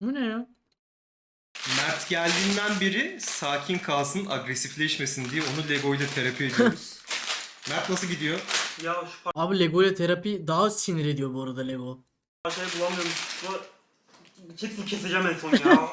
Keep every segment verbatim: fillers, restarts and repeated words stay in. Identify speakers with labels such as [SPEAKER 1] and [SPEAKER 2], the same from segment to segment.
[SPEAKER 1] Bu ne ya?
[SPEAKER 2] Mert geldiğinden beri sakin kalsın, agresifleşmesin diye onu Lego ile terapi ediyoruz. Mert nasıl gidiyor?
[SPEAKER 3] Ya şu
[SPEAKER 1] Abi Lego ile terapi daha sinir ediyor bu arada Lego.
[SPEAKER 3] parçayı bulamıyorum. Şu çipsi keseceğim en son ya.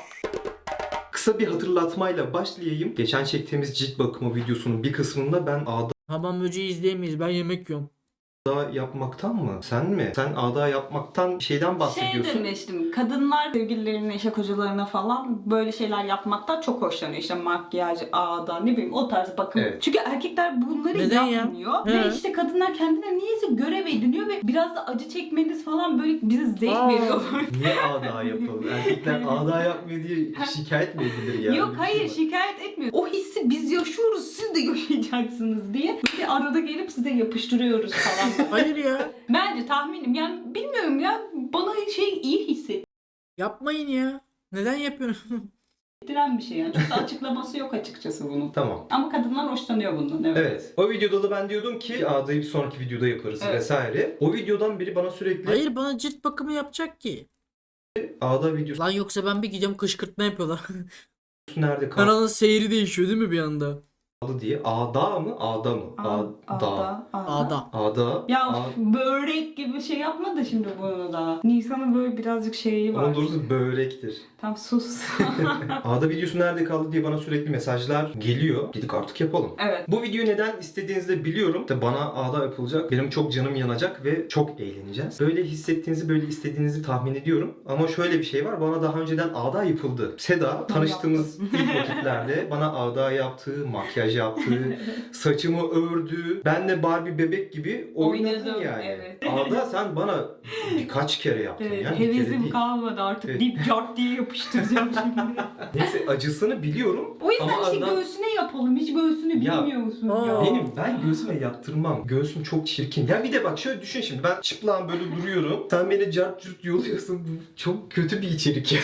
[SPEAKER 2] Kısa bir hatırlatmayla başlayayım. Geçen çektiğimiz cilt bakımı videosunun bir kısmında ben ağda
[SPEAKER 1] Hamam böceği izleyemeyiz. Ben yemek yiyorum.
[SPEAKER 2] yapmaktan mı? Sen mi? Sen ağda yapmaktan şeyden
[SPEAKER 4] Şey
[SPEAKER 2] bahsediyorsun.
[SPEAKER 4] demiştim, kadınlar sevgililerine, işe kocalarına falan böyle şeyler yapmaktan çok hoşlanıyor. İşte makyaj, ağda, ne bileyim o tarz bakım.
[SPEAKER 2] Evet.
[SPEAKER 4] Çünkü erkekler bunları
[SPEAKER 1] Neden ya?
[SPEAKER 4] yapmıyor.
[SPEAKER 1] He.
[SPEAKER 4] Ve işte kadınlar kendine niyeyse görev ediniyor ve biraz da acı çekmeniz falan böyle bize zevk
[SPEAKER 1] Aa.
[SPEAKER 4] veriyor.
[SPEAKER 2] Niye ağda yapalım? Erkekler ağda yapmıyor diye şikayet mi edilir ya?
[SPEAKER 4] Yok
[SPEAKER 2] Öyle bir
[SPEAKER 4] hayır
[SPEAKER 2] şey var.
[SPEAKER 4] şikayet etmiyor. O hissi biz yaşıyoruz, siz de yaşayacaksınız diye. Böyle arada gelip size yapıştırıyoruz falan.
[SPEAKER 1] Hayır ya.
[SPEAKER 4] Bence tahminim yani bilmiyorum ya bana şey iyi hissettiren
[SPEAKER 1] Yapmayın ya. Neden yapıyorsun?
[SPEAKER 4] bir şey yani. Çok da açıklaması yok açıkçası bunun.
[SPEAKER 2] Tamam.
[SPEAKER 4] Ama kadınlar hoşlanıyor bundan. Evet.
[SPEAKER 2] Evet. O videoda da ben diyordum ki ağdayı bir sonraki videoda yaparız
[SPEAKER 4] Evet.
[SPEAKER 2] vesaire. O videodan biri bana sürekli
[SPEAKER 1] Hayır bana cilt bakımı yapacak ki.
[SPEAKER 2] ağda videosu
[SPEAKER 1] Lan yoksa ben bir gidiyorum kışkırtma yapıyorlar.
[SPEAKER 2] nerede kaldı
[SPEAKER 1] Kanalın seyri değişiyor değil mi bir anda?
[SPEAKER 2] diye. Ağda mı? Ağda mı? Ağda.
[SPEAKER 4] Ağda.
[SPEAKER 1] Ağda.
[SPEAKER 2] Ağda.
[SPEAKER 4] Ya
[SPEAKER 2] Ağ-
[SPEAKER 4] of, börek gibi şey yapma da şimdi bunu da. Nisan'ın böyle birazcık şeyi var.
[SPEAKER 2] Onun doğrusu börektir.
[SPEAKER 4] Tam sus.
[SPEAKER 2] Ağda videosu nerede kaldı diye bana sürekli mesajlar geliyor. Dedik artık yapalım.
[SPEAKER 4] Evet.
[SPEAKER 2] Bu videoyu neden istediğinizi de biliyorum. İşte bana ağda yapılacak. Benim çok canım yanacak ve çok eğleneceğiz. Böyle hissettiğinizi, böyle istediğinizi tahmin ediyorum. Ama şöyle bir şey var. Bana daha önceden ağda yapıldı. Seda tanıştığımız ilk vakitlerde bana ağda yaptı, makyaj yaptı, saçımı ördü. Ben de Barbie bebek gibi oynadın
[SPEAKER 4] Oynadım,
[SPEAKER 2] yani.
[SPEAKER 4] evet.
[SPEAKER 2] Ağda sen bana birkaç kere yaptın
[SPEAKER 4] Evet,
[SPEAKER 2] ya. Bir kere
[SPEAKER 4] hevesim
[SPEAKER 2] değil.
[SPEAKER 4] kalmadı artık.
[SPEAKER 2] Evet.
[SPEAKER 4] Dip cart diye yapıştıracağım şimdi.
[SPEAKER 2] Neyse acısını biliyorum.
[SPEAKER 4] O yüzden
[SPEAKER 2] Ama
[SPEAKER 4] işte
[SPEAKER 2] adam-
[SPEAKER 4] göğsüne yapalım. Hiç göğsünü
[SPEAKER 2] Ya,
[SPEAKER 4] bilmiyorsun
[SPEAKER 1] aa.
[SPEAKER 4] ya.
[SPEAKER 2] Benim ben göğsüme yaptırmam. Göğsüm çok çirkin. Ya bir de bak şöyle düşün şimdi. Ben çıplağım böyle duruyorum. Sen beni cart curt yoluyorsun. Bu çok kötü bir içerik ya.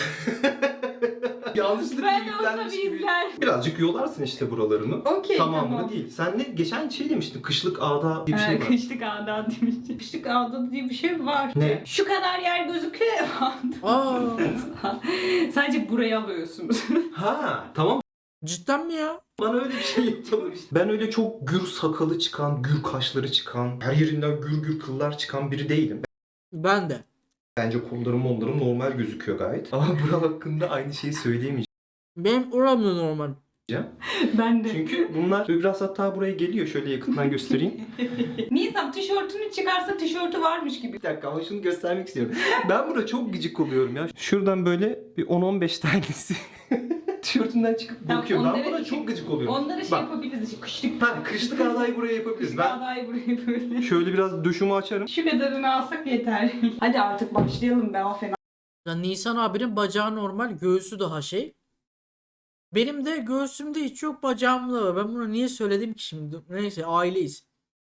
[SPEAKER 2] Yanlışlıkla
[SPEAKER 4] Ben de olsa
[SPEAKER 2] yüklenmiş
[SPEAKER 4] bir
[SPEAKER 2] gibi.
[SPEAKER 4] izler.
[SPEAKER 2] Birazcık yolarsın işte buralarını.
[SPEAKER 4] Okey
[SPEAKER 2] Tamamını
[SPEAKER 4] tamam.
[SPEAKER 2] değil. Sen ne geçen şey demiştin. Kışlık ağda diye bir şey
[SPEAKER 4] Ee,
[SPEAKER 2] var.
[SPEAKER 4] Kışlık ağda demiştim. Kışlık ağda diye bir şey var.
[SPEAKER 2] Ne?
[SPEAKER 4] Şu kadar yer gözüküyor ya.
[SPEAKER 1] Aa,
[SPEAKER 4] Sadece buraya alıyorsunuz.
[SPEAKER 2] Ha tamam.
[SPEAKER 1] cidden mi ya?
[SPEAKER 2] Bana öyle bir şey yapalım işte. Ben öyle çok gür sakalı çıkan, gür kaşları çıkan, her yerinden gür gür kıllar çıkan biri değilim.
[SPEAKER 1] Ben de.
[SPEAKER 2] Bence kollarım onlarım normal gözüküyor gayet. Ama buram hakkında aynı şeyi söyleyemeyeceğim.
[SPEAKER 1] Benim oram da normal.
[SPEAKER 4] Ben de.
[SPEAKER 2] Çünkü bunlar biraz hatta buraya geliyor. Şöyle yakından göstereyim.
[SPEAKER 4] Nisan tişörtünü çıkarsa tişörtü varmış gibi.
[SPEAKER 2] Bir dakika ama şunu göstermek istiyorum. Ben buna çok gıcık oluyorum ya. Şuradan böyle bir on on beş tanesi tişörtünden çıkıp
[SPEAKER 4] Tamam,
[SPEAKER 2] bakıyor. Ben
[SPEAKER 4] onları-
[SPEAKER 2] buna çok gıcık oluyorum.
[SPEAKER 4] Onları şey
[SPEAKER 2] Bak.
[SPEAKER 4] yapabiliriz. işte Kışlık.
[SPEAKER 2] Hadi kışlık ağdayı buraya yapabiliriz.
[SPEAKER 4] Kışlık
[SPEAKER 2] Ben
[SPEAKER 4] ağdayı buraya böyle.
[SPEAKER 2] şöyle biraz döşümü açarım.
[SPEAKER 4] Şu kadarını alsak yeter. Hadi artık başlayalım be o fena.
[SPEAKER 1] Ya Nisan abinin bacağı normal, göğsü daha şey. Benim de göğsümde hiç yok, bacağımda var. Ben bunu niye söyledim ki şimdi? Neyse aileyiz.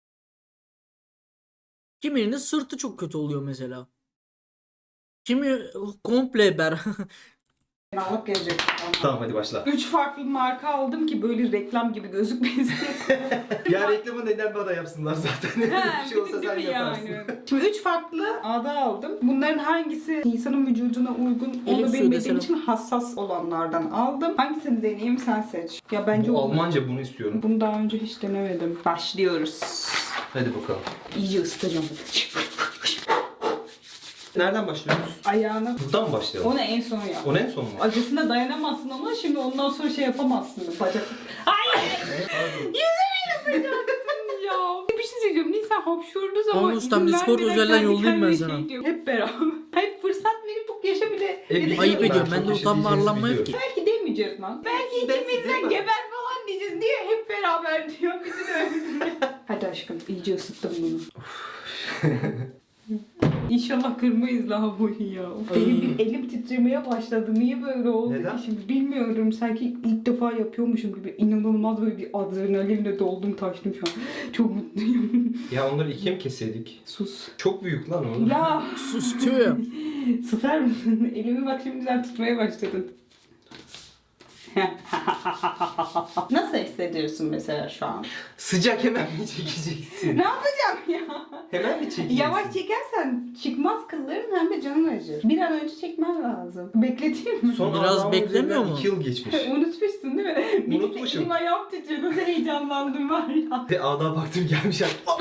[SPEAKER 1] Kiminin sırtı çok kötü oluyor mesela. Kimi komple ber.
[SPEAKER 4] Fenalık gelecek.
[SPEAKER 2] Tamam hadi başla.
[SPEAKER 4] Üç farklı marka aldım ki böyle reklam gibi gözükmesin.
[SPEAKER 2] Ya reklamı neden bana yapsınlar zaten?
[SPEAKER 4] Ha,
[SPEAKER 2] bir şey olsa
[SPEAKER 4] değil
[SPEAKER 2] sen
[SPEAKER 4] mi
[SPEAKER 2] yaparsın.
[SPEAKER 4] yani? Şimdi üç farklı ağda aldım. Bunların hangisi insanın vücuduna uygun onu
[SPEAKER 1] Elif suyu
[SPEAKER 4] bilmediğim
[SPEAKER 1] desene.
[SPEAKER 4] için hassas olanlardan aldım. Hangisini deneyeyim sen seç. Ya bence
[SPEAKER 2] Bu
[SPEAKER 4] o-
[SPEAKER 2] Almanca bunu istiyorum.
[SPEAKER 4] Bunu daha önce hiç denemedim. Başlıyoruz.
[SPEAKER 2] Hadi bakalım.
[SPEAKER 4] İyice ısıtacağım.
[SPEAKER 2] Nereden başlıyoruz?
[SPEAKER 4] Ayağını.
[SPEAKER 2] Buradan mı başlayalım?
[SPEAKER 4] Onu en son yap.
[SPEAKER 2] O ne en son mu?
[SPEAKER 4] Acısına dayanamazsın ama şimdi ondan sonra şey yapamazsın. Bacak. Ay! Yüzüme yapacaksın ya. Bir şey söyleyeceğim. Nisan hapşurduğu zaman
[SPEAKER 1] Tamam ustam,
[SPEAKER 4] izin
[SPEAKER 1] Discord
[SPEAKER 4] vermeden
[SPEAKER 1] özelden
[SPEAKER 4] kendi
[SPEAKER 1] yollayayım ben
[SPEAKER 4] kendine
[SPEAKER 1] sana.
[SPEAKER 4] şey diyor. Hep beraber. Hep fırsat verip bu yaşa bile.
[SPEAKER 2] E,
[SPEAKER 4] bir de-
[SPEAKER 2] biliyorum
[SPEAKER 1] Ayıp
[SPEAKER 2] ben,
[SPEAKER 1] ediyorum.
[SPEAKER 2] çok
[SPEAKER 1] Ben de
[SPEAKER 2] bir şey
[SPEAKER 1] utanma
[SPEAKER 2] diyeceğinizi
[SPEAKER 1] arlanma yok ki.
[SPEAKER 2] biliyorum.
[SPEAKER 4] Belki demeyeceğiz lan. Belki
[SPEAKER 2] Ben
[SPEAKER 4] ikimizden
[SPEAKER 2] size-
[SPEAKER 4] geber falan diyeceğiz diye hep beraber diyor. Bizi de öyle. Hadi aşkım iyice ısıttım bunu. İnşallah kırmayız lavaboyu ya. Of, benim bir elim titremeye başladı. Niye böyle oldu
[SPEAKER 2] Neden?
[SPEAKER 4] ki şimdi bilmiyorum. Sanki ilk defa yapıyormuşum gibi. İnanılmaz böyle bir adrenalinle doldum taştım şu an. Çok mutluyum.
[SPEAKER 2] Ya onları ikiye mi keseydik?
[SPEAKER 4] Sus.
[SPEAKER 2] Çok büyük lan o.
[SPEAKER 4] Ya
[SPEAKER 1] Sus diyor ya.
[SPEAKER 4] susar mısın? Elimi bak şimdiden tutmaya başladın. Nasıl hissediyorsun mesela şu an?
[SPEAKER 2] Sıcak hemen mi çekeceksin?
[SPEAKER 4] Ne yapacağım ya?
[SPEAKER 2] Hemen mi çekeceksin?
[SPEAKER 4] Yavaş çekersen çıkmaz kılların hem de canın acır. Bir an önce çekmen lazım. Bekleteyim mi?
[SPEAKER 2] Son
[SPEAKER 1] Biraz
[SPEAKER 2] Allah'ın
[SPEAKER 1] beklemiyor
[SPEAKER 2] üzerinden
[SPEAKER 1] mu?
[SPEAKER 2] iki yıl geçmiş.
[SPEAKER 4] Unutmuşsun değil mi? Benim de
[SPEAKER 2] Unutmuşum.
[SPEAKER 4] elim ayağım titriyor. Nasıl heyecanlandım var ya.
[SPEAKER 2] Ve ağda baktım gelmiş.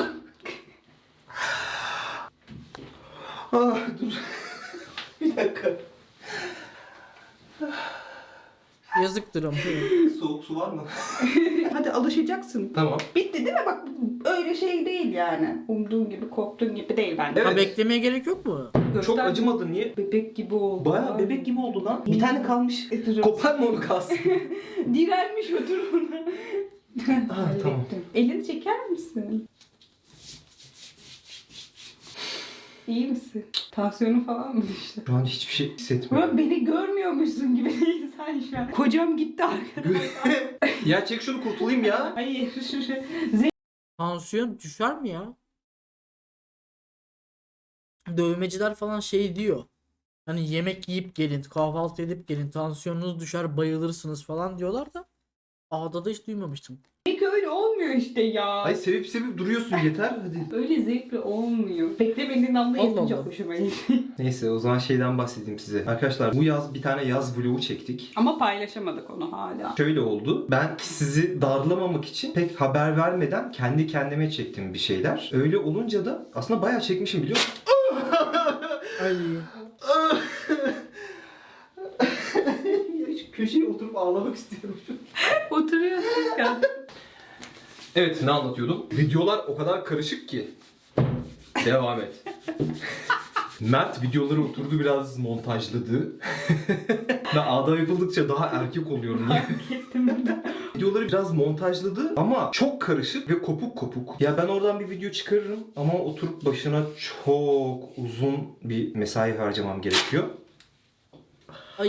[SPEAKER 2] Ah dur. Bir dakika.
[SPEAKER 1] Yazıktır ama.
[SPEAKER 2] Soğuk su var mı?
[SPEAKER 4] Hadi alışacaksın.
[SPEAKER 2] Tamam.
[SPEAKER 4] Bitti değil mi? Bak öyle şey değil yani. Umduğun gibi, korktuğun gibi değil bence.
[SPEAKER 2] Evet.
[SPEAKER 1] Ha, beklemeye gerek yok mu?
[SPEAKER 2] Çok
[SPEAKER 4] Göster-
[SPEAKER 2] acımadı niye?
[SPEAKER 4] Bebek gibi oldu.
[SPEAKER 2] Baya bebek gibi oldu lan. Bir tane kalmış.
[SPEAKER 4] E, dur.
[SPEAKER 2] Kopar mı onu kalsın?
[SPEAKER 4] Direnmiş otur ona.
[SPEAKER 2] Ah tamam.
[SPEAKER 4] Elini çeker misin? İyi misin? Tansiyonun falan mı düştü?
[SPEAKER 2] Şu an hiçbir şey hissetmiyorum.
[SPEAKER 4] Ulan beni görmüyormuşsun gibi değil sen şu an. Kocam gitti arkadaşlar.
[SPEAKER 2] Ya çek şunu kurtulayım ya.
[SPEAKER 4] Hayır.
[SPEAKER 1] Tansiyon düşer mi ya? Dövmeciler falan şey diyor. Hani yemek yiyip gelin, kahvaltı edip gelin, tansiyonunuz düşer, bayılırsınız falan diyorlar da ağda da hiç duymamıştım.
[SPEAKER 4] Peki öyle olmuyor işte ya.
[SPEAKER 2] Ay sevip sevip duruyorsun yeter hadi.
[SPEAKER 4] Öyle zevkli olmuyor. Beklemediğin anda
[SPEAKER 1] Allah
[SPEAKER 4] yapınca
[SPEAKER 1] Allah.
[SPEAKER 4] hoşuma gitti.
[SPEAKER 2] Neyse o zaman şeyden bahsedeyim size. Arkadaşlar bu yaz bir tane yaz vlogu çektik.
[SPEAKER 4] Ama paylaşamadık onu hala.
[SPEAKER 2] Şöyle oldu. Ben sizi darlamamak için pek haber vermeden kendi kendime çektim bir şeyler. Öyle olunca da aslında bayağı çekmişim biliyor musun?
[SPEAKER 1] Ay.
[SPEAKER 2] Ya şu köşeye oturup ağlamak istiyorum.
[SPEAKER 4] Oturuyorsun ya.
[SPEAKER 2] Evet ne anlatıyordum? Videolar o kadar karışık ki. Devam et. Mert videoları oturdu biraz montajladı. Ben ağda yapıldıkça daha erkek oluyorum. Videoları biraz montajladı ama çok karışık ve kopuk kopuk. Ya ben oradan bir video çıkarırım ama oturup başına çok uzun bir mesai harcamam gerekiyor.
[SPEAKER 1] Ay.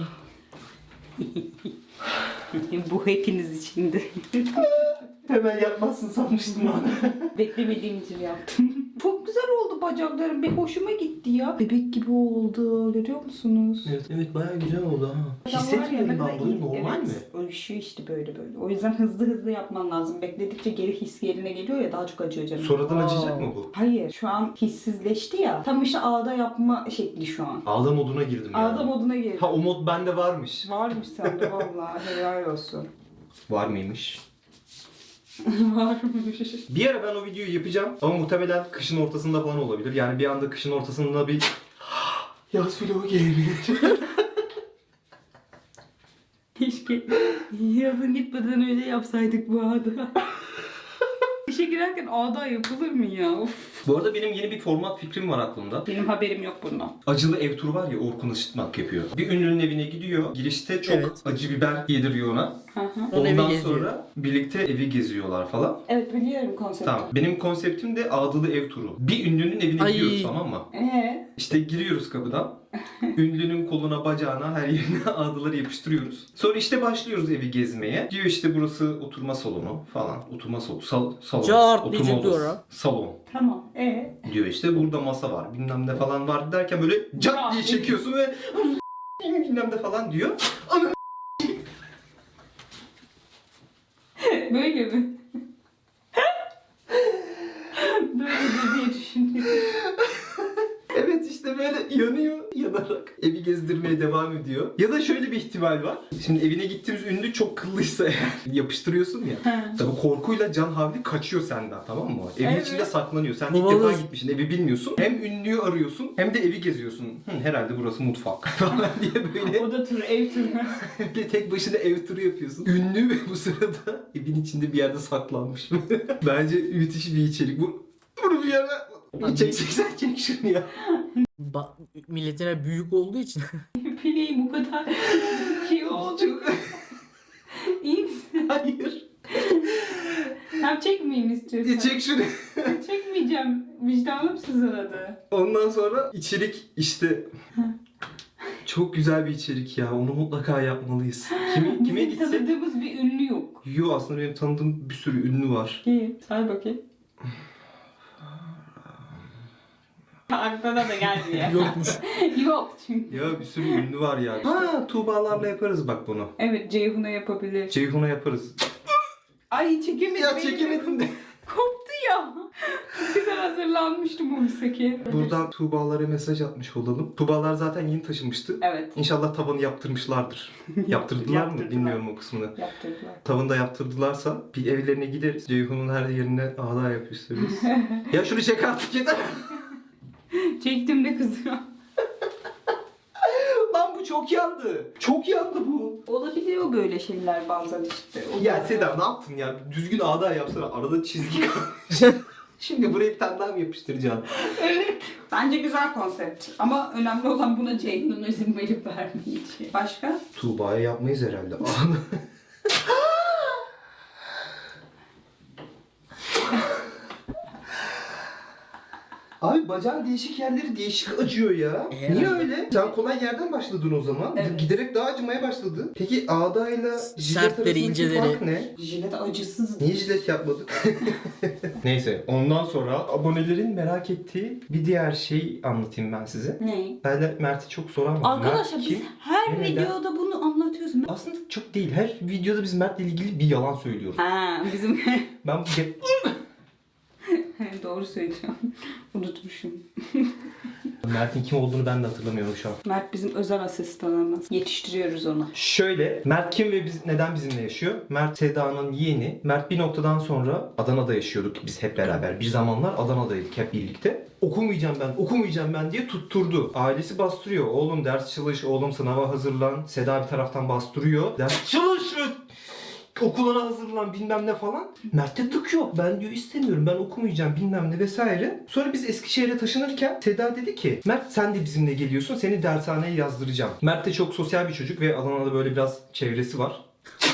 [SPEAKER 4] Bu hepiniz içindi.
[SPEAKER 2] Hemen yapmazsın sanmıştım bana.
[SPEAKER 4] Beklemediğim için yaptım. Çok güzel oldu bacaklarım. Bir hoşuma gitti ya. Bebek gibi oldu. Görüyor musunuz?
[SPEAKER 2] Evet, evet bayağı güzel oldu ha. Hissetmiyorum ben bunu normal mi?
[SPEAKER 4] Uyuşuyor işte böyle böyle. O yüzden hızlı hızlı yapman lazım. Bekledikçe geri his yerine geliyor ya daha çok acıyor canım.
[SPEAKER 2] Sonradan
[SPEAKER 1] Aa.
[SPEAKER 2] acıyacak mı bu?
[SPEAKER 4] Hayır şu an hissizleşti ya. Tam işte ağda yapma şekli şu an.
[SPEAKER 2] Ağda moduna girdim yani.
[SPEAKER 4] Ağda moduna girdi.
[SPEAKER 2] Ha o mod bende varmış.
[SPEAKER 4] Varmış sende vallahi helal olsun.
[SPEAKER 2] Var mıymış?
[SPEAKER 4] Varmış.
[SPEAKER 2] Bir ara ben o videoyu yapacağım ama muhtemelen kışın ortasında falan olabilir. Yani bir anda kışın ortasında bir yaz vlogu gelebilir.
[SPEAKER 4] Keşke yazın gitmeden önce yapsaydık bu ağda. İşe girerken ağda yapılır mı ya? Of.
[SPEAKER 2] Bu arada benim yeni bir format fikrim var aklımda.
[SPEAKER 4] Benim haberim yok bundan.
[SPEAKER 2] Acılı ev turu var ya Orkun Işıtmak yapıyor. Bir ünlünün evine gidiyor. Girişte çok
[SPEAKER 1] Evet.
[SPEAKER 2] acı biber yediriyor ona.
[SPEAKER 4] Hı hı.
[SPEAKER 1] Onun evi
[SPEAKER 2] Ondan
[SPEAKER 1] geziyor.
[SPEAKER 2] sonra birlikte evi geziyorlar falan.
[SPEAKER 4] Evet biliyorum konsepti.
[SPEAKER 2] Tamam. Benim konseptim de ağdalı ev turu. Bir ünlünün evine
[SPEAKER 1] Ay.
[SPEAKER 2] gidiyoruz tamam mı?
[SPEAKER 4] Ee,
[SPEAKER 2] İşte giriyoruz kapıdan. Ünlünün koluna, bacağına, her yerine ağdaları yapıştırıyoruz. Sonra işte başlıyoruz evi gezmeye. Diyor işte burası oturma salonu falan. Oturma salonu. Sal, salon.
[SPEAKER 1] Cart
[SPEAKER 2] oturma
[SPEAKER 1] diyecek
[SPEAKER 2] odası,
[SPEAKER 1] diyor ha.
[SPEAKER 2] salon.
[SPEAKER 4] tamam. Ee,
[SPEAKER 2] Diyor işte burada masa var. Bilmem ne falan var derken böyle cat diye çekiyorsun ve bilmem ne falan diyor.
[SPEAKER 4] böyle mi? Böyle diye düşündüm.
[SPEAKER 2] Evet işte böyle yanıyor yanarak evi gezdirmeye devam ediyor. Ya da şöyle bir ihtimal var. Şimdi evine gittiğimiz ünlü çok kıllıysa eğer yapıştırıyorsun ya. Tabii korkuyla can havli kaçıyor senden tamam mı? Evin
[SPEAKER 4] Evet.
[SPEAKER 2] içinde saklanıyor. Sen ilk
[SPEAKER 1] Babalı-
[SPEAKER 2] defa gitmişsin evi bilmiyorsun. Hem ünlüyü arıyorsun hem de evi geziyorsun. Hı, herhalde burası mutfak falan diye böyle
[SPEAKER 4] Oda turu, ev turu.
[SPEAKER 2] bir tek başına ev turu yapıyorsun. Ünlü ve bu sırada evin içinde bir yerde saklanmış. Bence müthiş bir içerik. Bu, bunu bir yere... Çek çek sen çek şunu ya.
[SPEAKER 1] Ba- milletine büyük olduğu için.
[SPEAKER 4] Pileğim bu kadar şey oldu.
[SPEAKER 2] Çok...
[SPEAKER 4] İyi misin?
[SPEAKER 2] Hayır.
[SPEAKER 4] Hem çekmeyeyim istiyorsan.
[SPEAKER 2] Çek şunu.
[SPEAKER 4] Çekmeyeceğim. Vicdanım sızladı.
[SPEAKER 2] Ondan sonra içerik işte çok güzel bir içerik ya. Onu mutlaka yapmalıyız. Kimi, kime
[SPEAKER 4] Bizim
[SPEAKER 2] gitsek?
[SPEAKER 4] tanıdığımız bir ünlü yok.
[SPEAKER 2] Yo aslında benim tanıdığım bir sürü ünlü var.
[SPEAKER 4] İyi. Say bakayım. aklına da gelmiyor.
[SPEAKER 1] Yokmuş.
[SPEAKER 4] Yok çünkü.
[SPEAKER 2] Ya bir sürü ünlü var ya. Ha, Tuğbalarla yaparız bak bunu.
[SPEAKER 4] Evet, Ceyhun'a yapabilir.
[SPEAKER 2] Ceyhun'a yaparız.
[SPEAKER 4] Ay çekemedim.
[SPEAKER 2] Ya
[SPEAKER 4] benim
[SPEAKER 2] çekemedim de.
[SPEAKER 4] Koptu ya. Çok güzel hazırlanmıştım o misaki.
[SPEAKER 2] Buradan Tuğbalara mesaj atmış olalım. Tuğbalar zaten yeni taşınmıştı.
[SPEAKER 4] Evet.
[SPEAKER 2] İnşallah tavanı yaptırmışlardır. Yaptırdılar mı?
[SPEAKER 4] Yaptırdılar.
[SPEAKER 2] Bilmiyorum o kısmını.
[SPEAKER 4] Yaptırdılar.
[SPEAKER 2] Tavanı da yaptırdılarsa bir evlerine gideriz. Ceyhun'un her yerine ağda yapıştırırız. Ya şunu çek artık yeter.
[SPEAKER 4] Çektim de kızıyor.
[SPEAKER 2] Lan bu çok yandı. Çok yandı bu.
[SPEAKER 4] Olabiliyor böyle şeyler bazen işte. O
[SPEAKER 2] Ya
[SPEAKER 4] da-
[SPEAKER 2] Seda ne yaptın ya? Düzgün ağda yapsana. Arada çizgi kalmış. Şimdi buraya bir tane daha mı yapıştıracaksın?
[SPEAKER 4] Evet. Bence güzel konsept. Ama önemli olan buna Ceyhun'un izin verip vermeyeceği. Başka?
[SPEAKER 2] Tuğba'ya yapmayız herhalde. Abi bacağın değişik yerleri değişik acıyor ya.
[SPEAKER 1] Herhalde.
[SPEAKER 2] Niye öyle? Sen kolay yerden başladın o zaman.
[SPEAKER 4] Evet.
[SPEAKER 2] Giderek daha acımaya başladı. Peki ağdayla jilet
[SPEAKER 1] Sertleri,
[SPEAKER 2] arasındaki
[SPEAKER 1] inceleri.
[SPEAKER 2] fark ne?
[SPEAKER 4] Jilet acısız.
[SPEAKER 2] Niye jilet yapmadık? Neyse ondan sonra abonelerin merak ettiği bir diğer şey anlatayım ben size.
[SPEAKER 4] Ne?
[SPEAKER 2] Ben de Mert'i çok soramadım.
[SPEAKER 4] Arkadaşlar
[SPEAKER 2] Mert
[SPEAKER 4] biz
[SPEAKER 2] kim?
[SPEAKER 4] her
[SPEAKER 2] Ve neden?
[SPEAKER 4] videoda bunu anlatıyoruz.
[SPEAKER 2] Aslında çok değil. Her videoda biz Mert'le ilgili bir yalan söylüyoruz.
[SPEAKER 4] Ha bizim
[SPEAKER 2] Ben bu
[SPEAKER 4] doğru söyleyeceğim. Unutmuşum.
[SPEAKER 2] Mert'in kim olduğunu ben de hatırlamıyorum şu an.
[SPEAKER 4] Mert bizim özel asistanımız. Yetiştiriyoruz onu.
[SPEAKER 2] Şöyle, Mert kim ve biz neden bizimle yaşıyor? Mert Seda'nın yeğeni. Mert bir noktadan sonra Adana'da yaşıyorduk biz hep beraber. Bir zamanlar Adana'daydık hep birlikte. Okumayacağım ben, okumayacağım ben diye tutturdu. Ailesi bastırıyor. Oğlum ders çalış, oğlum sınava hazırlan. Seda bir taraftan bastırıyor. Ders çalış! Okuluna hazırlan bilmem ne falan. Mert'te tık yok. Ben diyor istemiyorum. Ben okumayacağım bilmem ne vesaire. Sonra biz Eskişehir'e taşınırken Seda dedi ki Mert sen de bizimle geliyorsun. Seni dershaneye yazdıracağım. Mert de çok sosyal bir çocuk ve Adana'da böyle biraz çevresi var.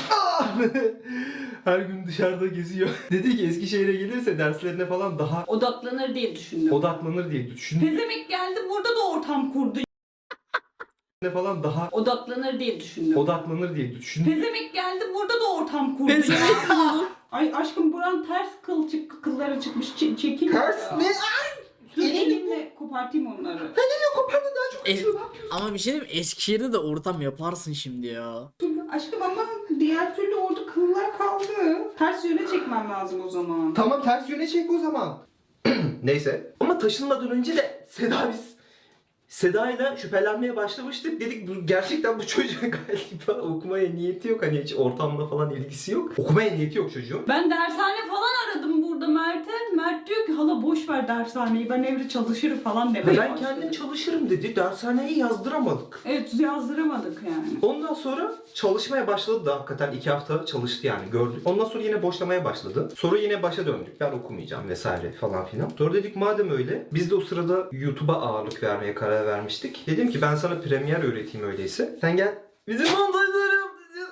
[SPEAKER 2] Her gün dışarıda geziyor. Dedi ki Eskişehir'e gelirse derslerine falan daha
[SPEAKER 4] Odaklanır diye düşündüm.
[SPEAKER 2] odaklanır diye düşündü.
[SPEAKER 4] Pezemek geldi burada da ortam kurdu.
[SPEAKER 2] Ne falan daha
[SPEAKER 4] Odaklanır diye düşündüm.
[SPEAKER 2] odaklanır diye düşündü.
[SPEAKER 4] Pezemek geldi burada da ortam kurdu.
[SPEAKER 1] Pezevenk
[SPEAKER 4] ya. Ay aşkım buran ters kıl çık kılları çıkmış. Ç- çekil.
[SPEAKER 2] Ters
[SPEAKER 4] ya.
[SPEAKER 2] ne?
[SPEAKER 4] Dur elimle kopartayım onları.
[SPEAKER 2] Kopardı daha çok
[SPEAKER 1] E-
[SPEAKER 2] acıyor. Ne yapıyorsun?
[SPEAKER 1] Ama bir şey diyeyim mi? Eskişehir'de de ortam yaparsın şimdi ya.
[SPEAKER 4] Aşkım ama diğer türlü orada kıllar kaldı. Ters yöne çekmem lazım o zaman.
[SPEAKER 2] Tamam ters yöne çek o zaman. Neyse. Ama taşınmadan önce de Seda biz Seda'yla şüphelenmeye başlamıştık. Dedik bu, gerçekten bu çocuğun galiba okumaya niyeti yok. Hani hiç ortamla falan ilgisi yok. Okumaya niyeti yok çocuğun.
[SPEAKER 4] Ben dershane falan aradım burada Mert'e. Mert diyor ki hala boş ver dershaneyi ben evde çalışırım falan demeye
[SPEAKER 2] Ben
[SPEAKER 4] başladı.
[SPEAKER 2] kendim çalışırım dedi. Dershaneyi yazdıramadık.
[SPEAKER 4] Evet yazdıramadık yani.
[SPEAKER 2] Ondan sonra çalışmaya başladı da hakikaten iki hafta çalıştı yani gördük. Ondan sonra yine boşlamaya başladı. Sonra yine başa döndük. Ben okumayacağım vesaire falan filan. Sonra dedik madem öyle biz de o sırada YouTube'a ağırlık vermeye karar vermiştik. Dedim ki ben sana Premiere öğreteyim öyleyse. Sen gel bizim montajları yap.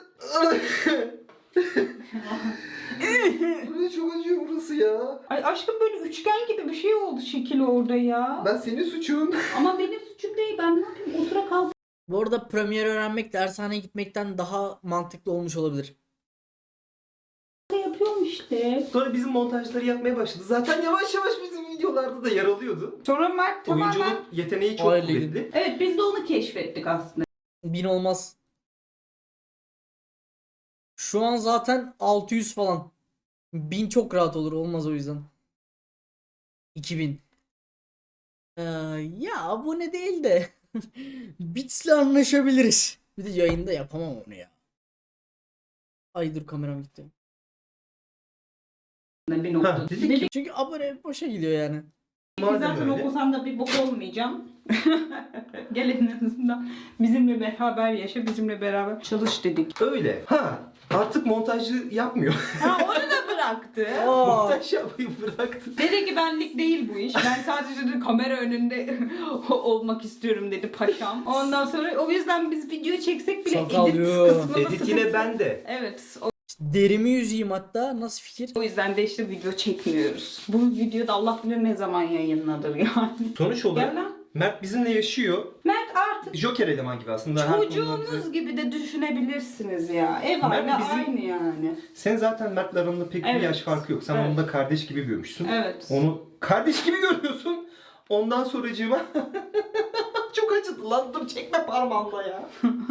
[SPEAKER 2] Burası çok acıyor burası ya.
[SPEAKER 4] Ay aşkım böyle üçgen gibi bir şey oldu şekil orada ya.
[SPEAKER 2] Ben senin suçun.
[SPEAKER 4] Ama benim suçum değil ben ne yapayım otura kalk.
[SPEAKER 1] Bu arada Premiere öğrenmek dershaneye gitmekten daha mantıklı olmuş olabilir.
[SPEAKER 4] Yapıyorum işte.
[SPEAKER 2] Sonra bizim montajları yapmaya başladı. Zaten yavaş yavaş bizim videolarda da yer alıyordu.
[SPEAKER 4] Sonra Mert tamamen...
[SPEAKER 2] Oyunculuk yeteneği çok
[SPEAKER 1] Öyle.
[SPEAKER 2] kuvvetli.
[SPEAKER 4] Evet biz de onu keşfettik aslında.
[SPEAKER 1] Bin olmaz. Şu an zaten altı yüz falan. bin çok rahat olur. Olmaz o yüzden. iki bin. Ee, ya abone değil de Bits'le anlaşabiliriz. Bir de yayında yapamam onu ya. Ay dur kameram gitti.
[SPEAKER 4] Bir
[SPEAKER 2] Ha,
[SPEAKER 4] nokta.
[SPEAKER 2] dedik
[SPEAKER 4] Dedik
[SPEAKER 1] Çünkü abone boşa gidiyor yani.
[SPEAKER 4] ki
[SPEAKER 2] Madem
[SPEAKER 4] zaten
[SPEAKER 2] öyle.
[SPEAKER 4] okusam da bir bok olmayacağım. Gel en azından bizimle beraber yaşa, bizimle beraber çalış dedik.
[SPEAKER 2] Öyle. Ha artık montajı yapmıyor.
[SPEAKER 4] Ha onu da bıraktı.
[SPEAKER 1] Aa,
[SPEAKER 2] Montaj yapmayı bıraktı.
[SPEAKER 4] Dedi ki benlik değil bu iş. Ben sadece dedi, kamera önünde olmak istiyorum dedi paşam. Ondan sonra o yüzden biz video çeksek bile
[SPEAKER 1] Sakal
[SPEAKER 4] edit
[SPEAKER 1] yok.
[SPEAKER 4] kısmında
[SPEAKER 2] Edit
[SPEAKER 4] sıkıntı-
[SPEAKER 2] yine bende.
[SPEAKER 4] Evet. O,
[SPEAKER 1] derimi yüzeyim hatta. Nasıl fikir?
[SPEAKER 4] o yüzden de işte video çekmiyoruz. Bu videoda Allah bilir ne zaman yayınlanır yani.
[SPEAKER 2] Sonuç olarak
[SPEAKER 4] Gel lan.
[SPEAKER 2] Mert bizimle yaşıyor.
[SPEAKER 4] Mert artık
[SPEAKER 2] Joker eleman gibi aslında. Her konuda
[SPEAKER 4] çocuğunuz
[SPEAKER 2] bize-
[SPEAKER 4] gibi de düşünebilirsiniz ya. Ev
[SPEAKER 2] Mert
[SPEAKER 4] aile
[SPEAKER 2] bizim-
[SPEAKER 4] aynı yani.
[SPEAKER 2] Sen zaten Mert'le aranda pek
[SPEAKER 4] Evet.
[SPEAKER 2] bir yaş farkı yok. Sen
[SPEAKER 4] Evet.
[SPEAKER 2] onu da kardeş gibi görmüşsün.
[SPEAKER 4] Evet.
[SPEAKER 2] Onu kardeş gibi görüyorsun. Ondan sonracığıma çok acıdı lan. Dur çekme parmağımla ya.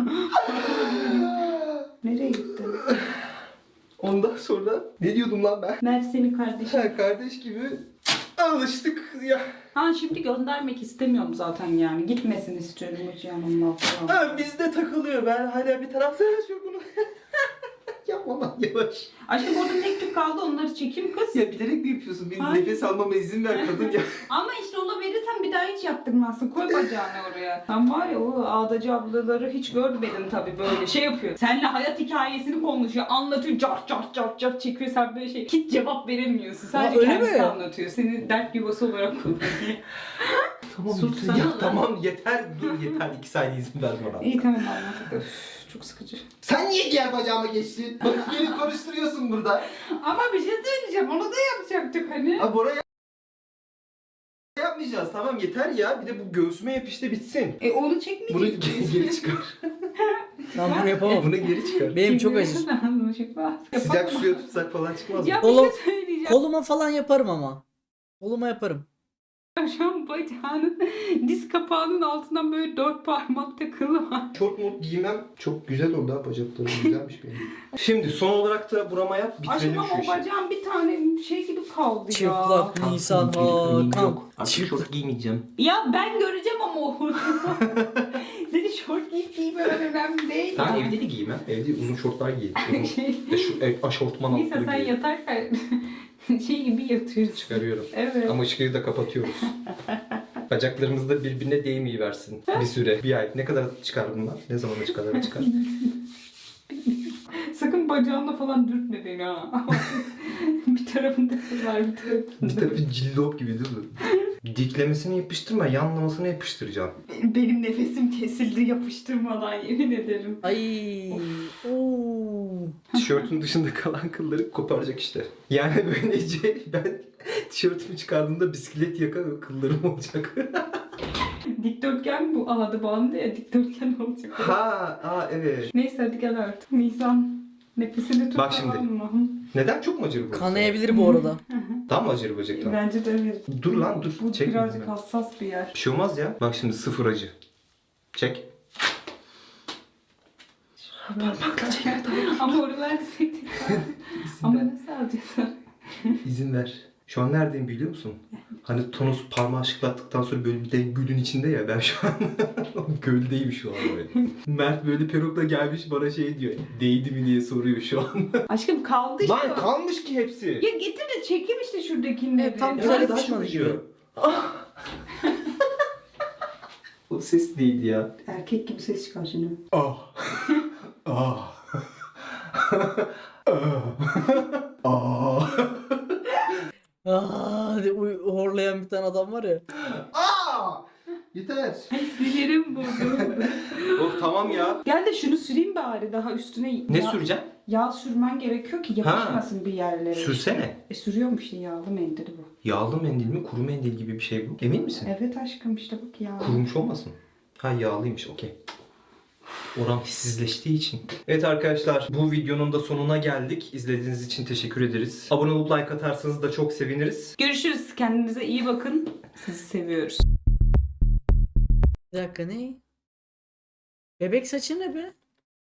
[SPEAKER 4] Nereye gittin?
[SPEAKER 2] Ondan sonra ne diyordum lan ben?
[SPEAKER 4] Mert senin kardeşin.
[SPEAKER 2] Ha, kardeş gibi alıştık ya.
[SPEAKER 4] Ha şimdi göndermek istemiyorum zaten yani. Gitmesin istiyorum hiç yanımda falan.
[SPEAKER 2] Ha, bizde takılıyor. Ben hala bir tarafta yaşıyor bunu. Yapma lan yavaş.
[SPEAKER 4] Aşkım orada tek tük kaldı onları çekeyim kız.
[SPEAKER 2] Ya bilerek mi yapıyorsun? Benim
[SPEAKER 4] Hayır.
[SPEAKER 2] nefes almama izin ver kadın ya.
[SPEAKER 4] Ama işte ona verirsen bir daha hiç yaptırmazsın. Koy bacağını oraya. Sen var ya o ağdacı ablaları hiç görmedin tabii böyle şey yapıyor. Seninle hayat hikayesini konuşuyor. Anlatıyor. Cart cart cart cart çekiyor. Sen böyle şey hiç cevap veremiyorsun. Sadece
[SPEAKER 1] öyle
[SPEAKER 4] kendisi
[SPEAKER 1] mi?
[SPEAKER 4] anlatıyor. Seni dert yuvası olarak kullanıyor.
[SPEAKER 2] Tamam
[SPEAKER 4] Sus
[SPEAKER 2] lütfen.
[SPEAKER 4] sana
[SPEAKER 2] Ya
[SPEAKER 4] lan.
[SPEAKER 2] tamam yeter. Dur yeter. İki saniye izin ver bana.
[SPEAKER 4] İyi tamam anlattık. Üf, çok sıkıcı.
[SPEAKER 2] Sen niye diğer bacağıma geçtin? Bak beni konuşturuyorsun burada.
[SPEAKER 4] Ama bir şey söyleyeceğim. Onu da yapacaktık hani.
[SPEAKER 2] Ha Bora yap- yapmayacağız. Tamam yeter ya. Bir de bu göğsüme yapıştı bitsin.
[SPEAKER 4] E onu
[SPEAKER 2] Bunu
[SPEAKER 4] çekmeyecek.
[SPEAKER 2] ge- geri çıkar.
[SPEAKER 1] Ben bunu yapamam.
[SPEAKER 2] Bunu geri çıkar.
[SPEAKER 1] Benim çok acır.
[SPEAKER 2] Sıcak suya tutsak falan çıkmaz mı?
[SPEAKER 4] Ya bir
[SPEAKER 1] Oğlum,
[SPEAKER 4] şey söyleyeceğim.
[SPEAKER 1] Koluma falan yaparım ama. Koluma yaparım.
[SPEAKER 4] Şu an bacağının diz kapağının altından böyle dört parmak takılı var.
[SPEAKER 2] Şort mort giymem çok güzel oldu ha, bacaklarım güzelmiş benim. Şimdi son olarak da burama yap, bitirelim
[SPEAKER 4] Aşkım
[SPEAKER 2] şu
[SPEAKER 4] o
[SPEAKER 2] işi.
[SPEAKER 4] bacağın bir tane şey gibi kaldı ya.
[SPEAKER 1] Çıplak Nisan Hakan.
[SPEAKER 2] Artık
[SPEAKER 1] Çıplak.
[SPEAKER 2] şort giymeyeceğim.
[SPEAKER 4] Ya ben göreceğim ama o. Senin şort giyip giymemen önemli değil.
[SPEAKER 2] Ben
[SPEAKER 4] ya.
[SPEAKER 2] evde de giymem. Evde uzun şortlar giyerim. Uzun,
[SPEAKER 4] Şey,
[SPEAKER 2] e, şu e, aşortman
[SPEAKER 4] Neyse
[SPEAKER 2] altları
[SPEAKER 4] sen
[SPEAKER 2] giyerim.
[SPEAKER 4] yatarken şey gibi yatıyorsun.
[SPEAKER 2] Çıkarıyorum.
[SPEAKER 4] Evet.
[SPEAKER 2] Ama ışığı da kapatıyoruz. Bacaklarımız da birbirine değmeyi versin. Bir süre. Bir ay. Ne kadar çıkar bunlar? Ne zaman kadar çıkar?
[SPEAKER 4] Sakın bacağınla falan dürtme beni ha. Bir tarafında kız var bir tarafında.
[SPEAKER 2] Bir tarafı cillop gibi değil mi? Diklemesini yapıştırma, yanlamasını yapıştıracağım.
[SPEAKER 4] Benim nefesim kesildi yapıştırmadan yemin ederim.
[SPEAKER 1] Ay. Oo.
[SPEAKER 2] Tişörtün dışında kalan kılları koparacak işte. Yani böylece ben tişörtümü çıkardığımda bisiklet yaka kıllarım olacak.
[SPEAKER 4] Dikdörtgen bu ağdı bandı ya dikdörtgen olacak.
[SPEAKER 2] ha, aa evet.
[SPEAKER 4] Neyse hadi gel artık. Nisan nefesini tut
[SPEAKER 2] Bak şimdi.
[SPEAKER 4] tamam mı?
[SPEAKER 2] Neden çok mu acır bu?
[SPEAKER 1] Kanayabilir bu arada.
[SPEAKER 2] Tam mı acır bacaktan?
[SPEAKER 4] Bence de evet.
[SPEAKER 2] Dur lan dur.
[SPEAKER 4] Bu
[SPEAKER 2] Çek.
[SPEAKER 4] birazcık hassas bir yer.
[SPEAKER 2] Bir şey olmaz ya. Bak şimdi sıfır acı. Çek. Parmakla çek.
[SPEAKER 4] Ama oralar sektik. Ama nasıl alacağız?
[SPEAKER 2] İzin ver. Şu an neredeyim biliyor musun? Hani Tonos parmağı şıklattıktan sonra böyle bir de gölün içinde ya, ben şu an göldeyim şu an böyle. Mert böyle perukla gelmiş bana şey diyor. Değdi mi diye soruyor şu an.
[SPEAKER 4] Aşkım kaldı işte.
[SPEAKER 2] Lan kalmış ki hepsi.
[SPEAKER 4] Ya getir de çekeyim işte şuradakileri.
[SPEAKER 1] Evet, tam
[SPEAKER 2] Ya
[SPEAKER 1] güzel
[SPEAKER 2] daha çok
[SPEAKER 1] yapışmadı
[SPEAKER 2] acıyor.
[SPEAKER 1] gibi.
[SPEAKER 2] Ah! O ses neydi ya?
[SPEAKER 4] Erkek gibi ses çıkar şimdi.
[SPEAKER 2] Ah. Ah. Ah. Ah.
[SPEAKER 1] Aa, diye uy- horlayan bir tane adam var ya.
[SPEAKER 2] Ah! Yeter.
[SPEAKER 4] Ay sinirim bozuldu.
[SPEAKER 2] Oh tamam ya.
[SPEAKER 4] Gel de şunu süreyim bari daha üstüne.
[SPEAKER 2] Ne
[SPEAKER 4] yağ,
[SPEAKER 2] süreceğim?
[SPEAKER 4] Yağ sürmen gerekiyor ki yapışmasın bir yerlere.
[SPEAKER 2] Sürsene.
[SPEAKER 4] E sürüyorum işte yağlı mendili bu.
[SPEAKER 2] Yağlı mendil mi, kuru mendil gibi bir şey bu. Emin misin?
[SPEAKER 4] Evet aşkım işte bak yağlı.
[SPEAKER 2] Kurumuş olmasın? Ha yağlıymış, okey. Oran hissizleştiği için. Evet arkadaşlar, bu videonun da sonuna geldik. İzlediğiniz için teşekkür ederiz. Abone olup like atarsanız da çok seviniriz.
[SPEAKER 4] Görüşürüz. Kendinize iyi bakın. Sizi seviyoruz.
[SPEAKER 1] Bir dakika ne? Bebek saçı ne be?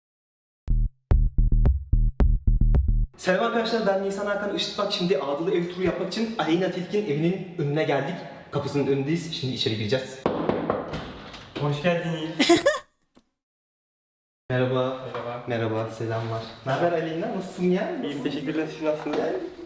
[SPEAKER 2] Selam arkadaşlar, ben Nisan Hakan Işıtmak. Şimdi Ağdalı ev turu yapmak için Aleyna Tilkin evinin önüne geldik. Kapısının önündeyiz. Şimdi içeri gireceğiz.
[SPEAKER 3] Hoş geldiniz.
[SPEAKER 2] Merhaba.
[SPEAKER 3] Merhaba.
[SPEAKER 2] Merhaba, selamlar. Ne haber Aleyna? Nasılsın ya?
[SPEAKER 3] İyiyim, teşekkürler. Siz nasılsınız?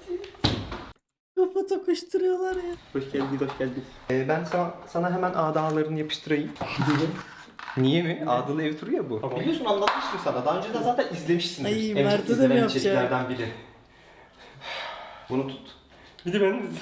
[SPEAKER 1] Kafa tokuşturuyorlar ya.
[SPEAKER 3] Hoş geldiniz, hoş geldiniz.
[SPEAKER 2] Ee, ben sana, sana hemen ağdalarını yapıştırayım. Niye mi? Ağdalı ev turu ya bu.
[SPEAKER 3] Tamam.
[SPEAKER 2] Biliyorsun, anlatmıştım sana. Daha önce de zaten izlemişsindir.
[SPEAKER 1] Ay,
[SPEAKER 2] En
[SPEAKER 1] Mert'e
[SPEAKER 2] çok
[SPEAKER 1] de mi
[SPEAKER 2] izlenen
[SPEAKER 1] yapacak?
[SPEAKER 2] içeriklerden biri. Bunu tut.
[SPEAKER 3] Bir de ben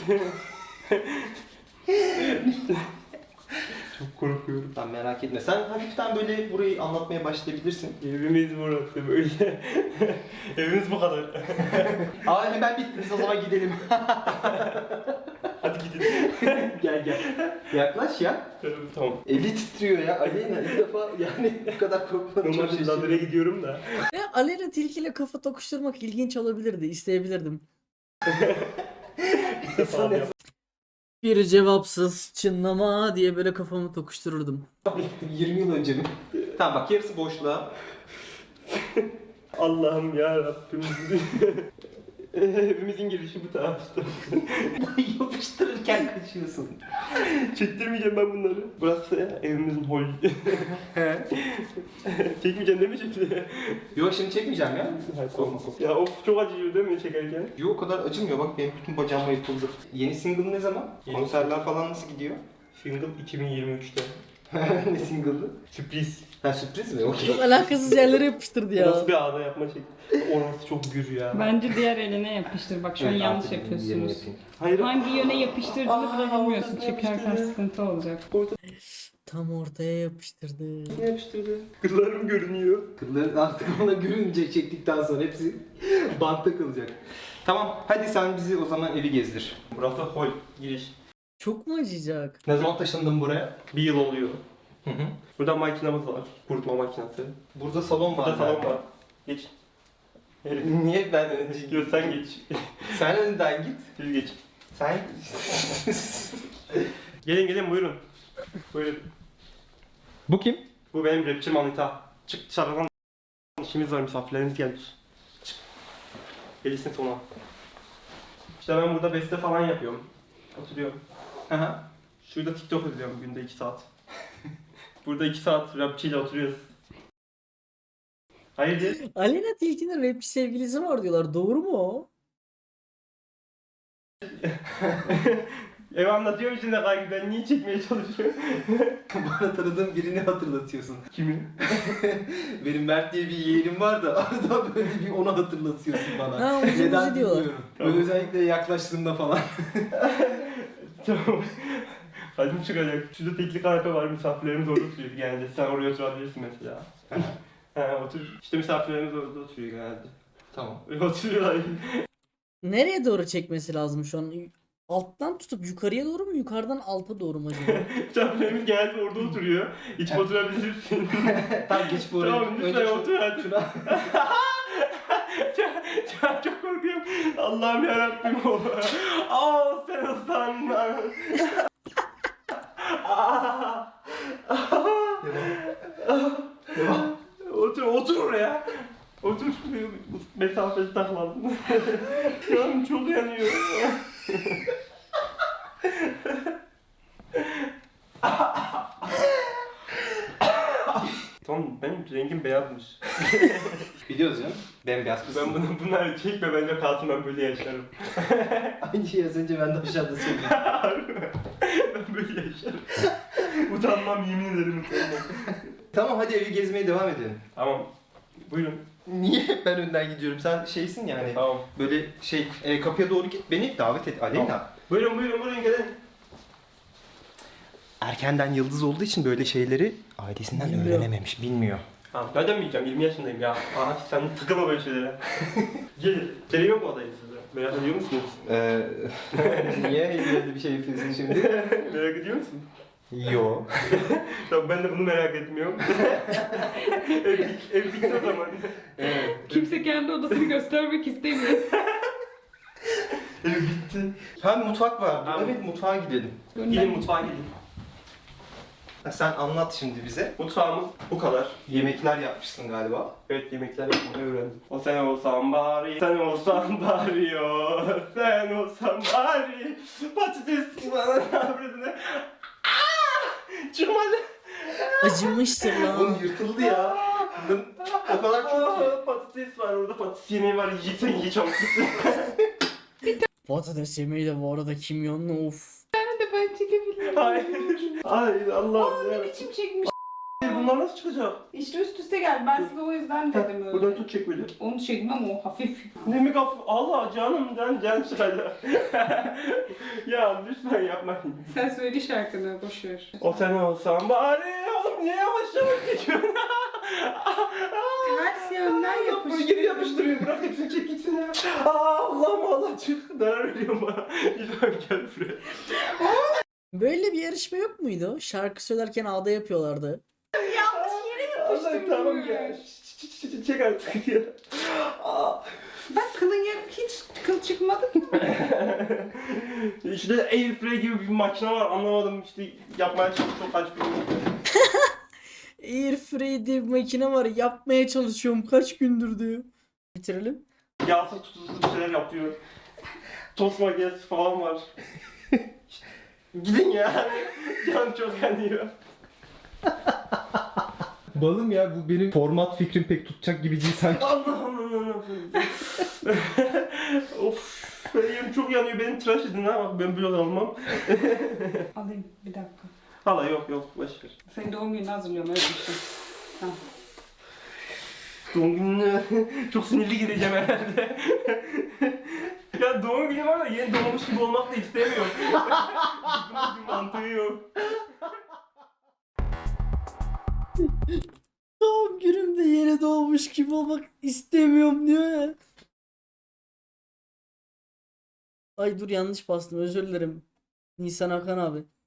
[SPEAKER 3] çok korkuyorum.
[SPEAKER 2] Sen merak etme. Sen hafiften böyle burayı anlatmaya başlayabilirsin.
[SPEAKER 3] Evimiz burası böyle. Evimiz bu kadar.
[SPEAKER 2] Aa hemen bittiniz, o zaman gidelim.
[SPEAKER 3] Hadi gidelim.
[SPEAKER 2] Gel gel. Yaklaş ya.
[SPEAKER 3] Tamam.
[SPEAKER 2] Eli titriyor ya. Aleyna ilk defa yani bu kadar korkmadım. Çok
[SPEAKER 3] Normalde
[SPEAKER 2] şaşırdım.
[SPEAKER 3] Ladır'a gidiyorum da.
[SPEAKER 1] Ve Aleyna tilkiyle kafa tokuşturmak ilginç olabilirdi. İsteyebilirdim.
[SPEAKER 3] İlk defa yapıyorum.
[SPEAKER 1] Bir cevapsız çınlama diye böyle kafamı tokuştururdum.
[SPEAKER 2] yirmi yıl önce mi? Tamam bak yarısı boşluğa.
[SPEAKER 3] Allah'ım ya Rabbim. Evimizin girişi bu tarafta.
[SPEAKER 2] Yapıştırırken kaçıyorsun.
[SPEAKER 3] Çektirmeyeceğim ben bunları. Burası ya, evimizin hol. Çekmeyeceğim değil mi şimdi?
[SPEAKER 2] Yok şimdi çekmeyeceğim ya.
[SPEAKER 3] Ya of çok acıyor değil mi çekerken?
[SPEAKER 2] Yok o kadar acımıyor bak benim bütün bacağıma yapıldı. Yeni single ne zaman?
[SPEAKER 3] Yeni-
[SPEAKER 2] Konserler falan nasıl gidiyor?
[SPEAKER 3] Single iki bin yirmi üçte.
[SPEAKER 2] Ne single'ı?
[SPEAKER 3] Sürpriz.
[SPEAKER 2] Ha sürpriz mi? Okey.
[SPEAKER 1] Çok alakasız yerlere yapıştırdı ya.
[SPEAKER 3] Nasıl bir ağda yapma şekli? Orası çok gür ya.
[SPEAKER 4] Bence diğer eline yapıştır. Bak şu an
[SPEAKER 2] Evet,
[SPEAKER 4] yanlış
[SPEAKER 2] artık yerini
[SPEAKER 4] yapıyorsunuz.
[SPEAKER 2] yapayım.
[SPEAKER 3] Hayır.
[SPEAKER 4] Hangi yöne yapıştırdığını
[SPEAKER 3] Aa,
[SPEAKER 4] bile bilmiyorsun.
[SPEAKER 3] ortasına
[SPEAKER 4] Çekerken
[SPEAKER 3] yapıştırdı.
[SPEAKER 4] sıkıntı olacak.
[SPEAKER 1] Tam ortaya yapıştırdı.
[SPEAKER 3] Ne yapıştırdı? Kızlarım görünüyor.
[SPEAKER 2] Kılların artık ona görünce çektikten sonra hepsi bantta kalacak. Tamam hadi sen bizi o zaman evi gezdir.
[SPEAKER 3] Burası hol, giriş.
[SPEAKER 1] Çok mu acıyacak?
[SPEAKER 2] Ne zaman taşındın buraya?
[SPEAKER 3] Bir yıl oluyor.
[SPEAKER 2] Hı hı.
[SPEAKER 3] Burada makinamız var. Kurutma makinesi.
[SPEAKER 2] Burada salon var.
[SPEAKER 3] Burada salon
[SPEAKER 2] galiba.
[SPEAKER 3] var. Geç. Evet.
[SPEAKER 2] Niye ben önce
[SPEAKER 3] Yok sen geç.
[SPEAKER 2] Sen önden git.
[SPEAKER 3] Siz geç.
[SPEAKER 2] Sen...
[SPEAKER 3] Gelin gelin buyurun. Buyurun.
[SPEAKER 2] Bu kim?
[SPEAKER 3] Bu benim rapçi Manita. Çık dışarıdan. İşimiz var, misafirlerimiz gelmiş. Çık. Gelirsin sonra. İşte ben burada beste falan yapıyorum. Oturuyorum.
[SPEAKER 2] Aha.
[SPEAKER 3] Şurada TikTok izliyorum günde iki saat. Burada iki saat rapçiyle oturuyoruz. Hayırdır?
[SPEAKER 1] Aleyna Tilki'nin rapçi sevgilisi var diyorlar. Doğru mu o?
[SPEAKER 3] Ev anlatıyorum içinde kanki ben niye çekmeye çalışıyorum?
[SPEAKER 2] Bana tanıdığım birini hatırlatıyorsun.
[SPEAKER 3] Kimi?
[SPEAKER 2] Benim Mert diye bir yeğenim var da arada böyle bir onu hatırlatıyorsun bana.
[SPEAKER 1] Ha, uzun
[SPEAKER 2] Neden
[SPEAKER 1] uzi diyorlar.
[SPEAKER 2] bilmiyorum.
[SPEAKER 3] Tamam.
[SPEAKER 2] Böyle özellikle yaklaştığımda falan.
[SPEAKER 3] Tamam. Hadi çıkacak. Şurada tekli kanepe var, misafirlerimiz orada oturuyor genelde. Sen oraya oturabilirsin mesela. Ha otur. İşte misafirlerimiz orada oturuyor genelde.
[SPEAKER 2] Tamam.
[SPEAKER 3] Öyle oturuyorlar.
[SPEAKER 1] Nereye doğru çekmesi lazım şu an? Alttan tutup yukarıya doğru mu, yukarıdan alta doğru mu acaba?
[SPEAKER 3] Misafirlerimiz genelde orada oturuyor. İçip oturabilirsin.
[SPEAKER 2] Tamam geç bu oraya.
[SPEAKER 3] Tamam lütfen
[SPEAKER 2] şu-
[SPEAKER 3] otur hadi.
[SPEAKER 2] şuna.
[SPEAKER 3] çok, çok, çok korkuyorum. Allah'ım yarabbim o. Aa sen usanma.
[SPEAKER 2] Devam.
[SPEAKER 3] Otur, otur oraya. Otur. Mesafeli takmadın. Canım çok yanıyor. Tamam benim rengim beyazmış.
[SPEAKER 2] Biliyoruz canım. Bembeyaz kız.
[SPEAKER 3] Ben bunu bunları çekme bence kalsın ben böyle yaşarım.
[SPEAKER 2] Aynı şeyi az önce ben de aşağıda söyledim.
[SPEAKER 3] Ben böyle yaşarım. Utanmam yemin ederim utanmam.
[SPEAKER 2] Tamam hadi evi gezmeye devam edelim.
[SPEAKER 3] Tamam. Buyurun.
[SPEAKER 2] Niye hep ben önden gidiyorum? Sen şeysin yani.
[SPEAKER 3] Tamam.
[SPEAKER 2] Böyle şey e, kapıya doğru git beni davet et Aleyna.
[SPEAKER 3] Tamam. Buyurun buyurun buyurun gelin.
[SPEAKER 2] Erkenden yıldız olduğu için böyle şeyleri ailesinden
[SPEAKER 1] Bilmiyor.
[SPEAKER 2] öğrenememiş, bilmiyor.
[SPEAKER 3] Tamam. Nereden bileceğim? yirmi yaşındayım ya. Aa sen tıkılma böyle şeylere. Gelin. Televizyon mu odayı size? Merak ediyor musunuz?
[SPEAKER 2] Ee, niye böyle bir şey yapıyorsun şimdi?
[SPEAKER 3] Merak ediyor musun?
[SPEAKER 2] Yo.
[SPEAKER 3] Tamam ben de bunu merak etmiyorum. ev, bit- ev bitti o zaman.
[SPEAKER 2] Evet.
[SPEAKER 4] Kimse kendi odasını göstermek istemiyor.
[SPEAKER 3] Ev bitti.
[SPEAKER 2] Ha mutfak var.
[SPEAKER 3] Tamam.
[SPEAKER 2] Evet mutfağa gidelim.
[SPEAKER 3] Gidin mutfağa gidin.
[SPEAKER 2] Ha, sen anlat şimdi bize.
[SPEAKER 3] Mutfağımız bu kadar.
[SPEAKER 2] Yemekler yapmışsın galiba.
[SPEAKER 3] Evet yemekler yapmayı öğrendim. O sen olsan bari, sen olsan bari yo, sen olsan bari. Patates bana sabredine. Çıkmadı.
[SPEAKER 1] Acımıştır
[SPEAKER 2] Oğlum
[SPEAKER 1] lan.
[SPEAKER 2] yırtıldı ya. Bunun o kadar çok ki.
[SPEAKER 3] Aa, patates var orada, patates yemeği var. Yiyeceksen ye çabuk.
[SPEAKER 1] Patates yemeği de bu arada kimyonlu of.
[SPEAKER 4] Ben de ben çekebilirim.
[SPEAKER 3] Hayır. Hayır Allah'ım ya.
[SPEAKER 4] Ne biçim çekmiş?
[SPEAKER 3] Bunlar nasıl çıkacak?
[SPEAKER 4] İşte üst üste geldi. Ben size o yüzden dedim öyle.
[SPEAKER 3] Buradan tut çek böyle.
[SPEAKER 4] Onu çektim ama o hafif.
[SPEAKER 3] Ne mi kaf? Allah canımdan can çıkacak. Ya lütfen yapmayın.
[SPEAKER 4] Sen söyle şarkını boş ver.
[SPEAKER 3] O sen olsan bari. Oğlum niye yavaş yavaş geçiyorsun?
[SPEAKER 4] Ters yönden
[SPEAKER 3] Böyle
[SPEAKER 4] yapış.
[SPEAKER 3] geri yapıştırıyor. Bırak hepsini çek gitsin ya. Aa, Allah'ım Allah çık. Zarar veriyorum bana. Lütfen gel buraya.
[SPEAKER 1] Böyle bir yarışma yok muydu? Şarkı söylerken ağda yapıyorlardı.
[SPEAKER 4] Yanlış yere
[SPEAKER 3] Allah
[SPEAKER 4] yapıştım.
[SPEAKER 3] tamam ya. Ç- ç- ç- Çek artık ya. Aa,
[SPEAKER 4] Bak kılın yer hiç kıl çıkmadı ki.
[SPEAKER 3] İşte Airfryer gibi bir makine var anlamadım işte yapmaya çalışıyorum kaç gün.
[SPEAKER 1] Airfryer diye bir makine var. Yapmaya çalışıyorum. Kaç gündür diyor. Bitirelim.
[SPEAKER 3] Yağsız tuzsuz bir şeyler yapıyor. Tost makinesi falan var. Gidin ya. Canım çok yanıyor.
[SPEAKER 2] Balım ya, bu benim format fikrim pek tutacak gibi değil sanki.
[SPEAKER 3] Allah Allah Allah. Of. Benim çok yanıyor. Benim tıraş edin ha. Bak ben böyle almam.
[SPEAKER 4] Alayım bir dakika.
[SPEAKER 3] Hala yok yok. Başver.
[SPEAKER 4] Senin doğum gününü hazırlıyorum öyle bir şey. Tamam.
[SPEAKER 3] Doğum gününe çok sinirli gideceğim herhalde. Ya doğum günü var da yeni doğmuş gibi olmak da istemiyorum. Bunun bir mantığı yok.
[SPEAKER 1] Doğum günümde yeni doğmuş gibi olmak istemiyorum diyor ya. Ay dur yanlış bastım, özür dilerim. Nisan Hakan abi.